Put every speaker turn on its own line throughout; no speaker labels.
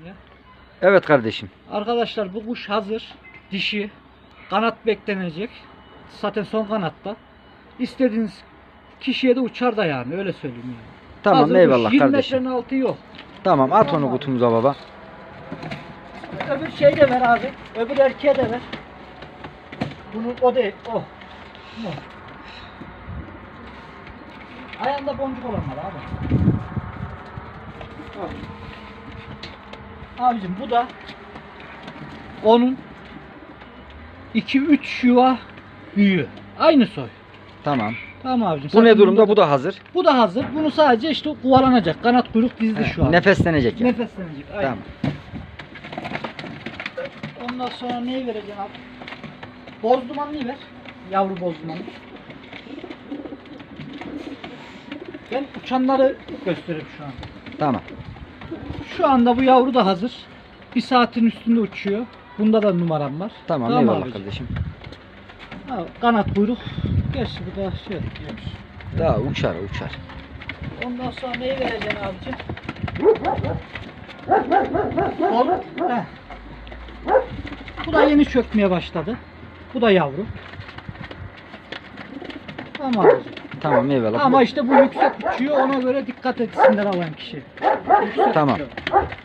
çekmeye.
Evet kardeşim.
Arkadaşlar bu kuş hazır. Dişi. Kanat beklenecek. Zaten son kanatta. İstediğiniz kişiye de uçar da yani. Öyle söyleyeyim yani.
Tamam
Hazır
eyvallah
kuş, 20
kardeşim.
metrenin altı yok.
Tamam at
Tamam
onu
abi.
kutumuza baba.
Öbür şey de ver abi. Öbür erkeğe de ver. Bunu o değil. O. Bu. Ayağında boncuk olanlar abi. Abicim bu da onun 2-3 yuva büyüğü. Aynı soy.
Tamam.
Tamam abicim.
Bu ne
Zaten
durumda?
bunda
Bu da hazır.
Bu da hazır. Bunu sadece işte kovalanacak. Kanat kuyruk dizdi şu an.
Nefeslenecek yani.
Nefeslenecek. Aynen.
Tamam.
Ondan sonra neyi vereceksin abi? Boz dumanlıyı ver. Yavru boz dumanlı. Ben uçanları göstereyim şu an.
Tamam.
Şu anda bu yavru da hazır. Bir saatin üstünde uçuyor. Bunda da numaram var.
Tamam eyvallah
abicim.
kardeşim.
Ha, kanat kuyruk. Gerçi bu da şey yemiş.
Daha uçar uçar.
Ondan sonra neyi vereceksin abicim? Oğlum. Heh. Bu da yeni çökmeye başladı. Bu da yavru. Tamam abicim.
Tamam eyvallah.
Ama işte bu yüksek uçuyor. Ona göre dikkat etsinler alan kişi. Yüksek
Tamam.
uçuyor.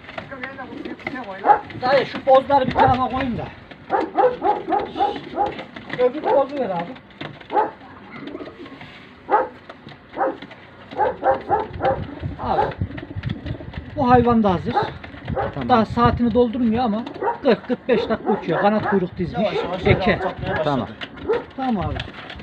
Dayı şu pozları bir tarafa koyayım da. Öbür pozu ver abi. Abi. Bu hayvan da hazır.
Tamam.
Daha saatini doldurmuyor ama 40-45 dakika uçuyor. Kanat kuyruk dizmiş. Eke.
Tamam.
Tamam abi.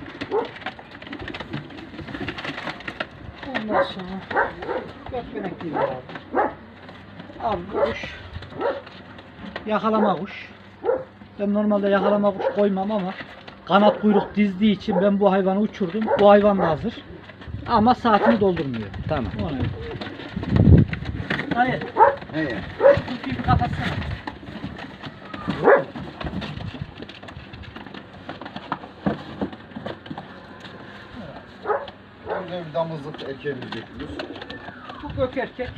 Ondan sonra gökbenek değil abi. Abi bu kuş yakalama kuş. Ben normalde yakalama kuş koymam ama kanat kuyruk dizdiği için ben bu hayvanı uçurdum. Bu hayvan da hazır. Ama saatini doldurmuyor.
Tamam.
Ona göre. Hayır.
He.
Kutuyu bir kapatsana.
Önce bir damızlık erkeğimizi bekliyoruz.
Bu gök erkek.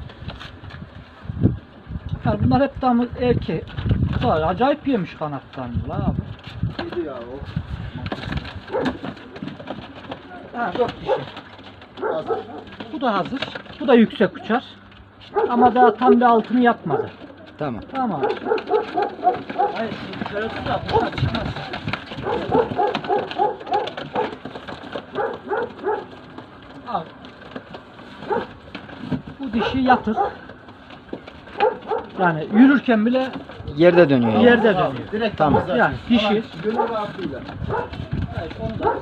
Yani bunlar hep damız erkek. Var, acayip yemiş kanatlarını lan abi.
Neydi ya o?
Ha, 4 dişi.
Hazır.
Bu da hazır. Bu da yüksek uçar. Ama daha tam bir altını yapmadı.
Tamam.
Tamam. Hayır, şöyle tut da kuşlar çıkmaz. Al. Bu dişi yatık. Yani yürürken bile
Yerde dönüyor yani.
yerde dönüyor.
Direkt
Tamam.
damızlar.
Yani dişi.
Gönül rahatlığıyla.
Evet, onu da.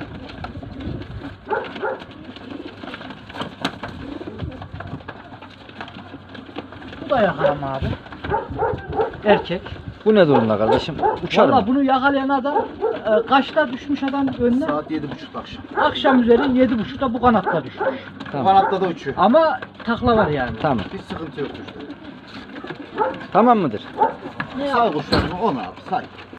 Bu da yakalama abi. Erkek.
Bu ne durumda kardeşim? Uçar
Valla
mı?
bunu yakalayan adam kaçta düşmüş adam önüne?
Saat 7.30 akşam.
Akşam üzeri 7.30'da bu kanatta düşmüş.
Tamam.
Kanatta da uçuyor.
Ama takla var yani.
Tamam.
Hiç sıkıntı yok.
Tamam mıdır?
Ne
Say kuşlarını 10 abi say.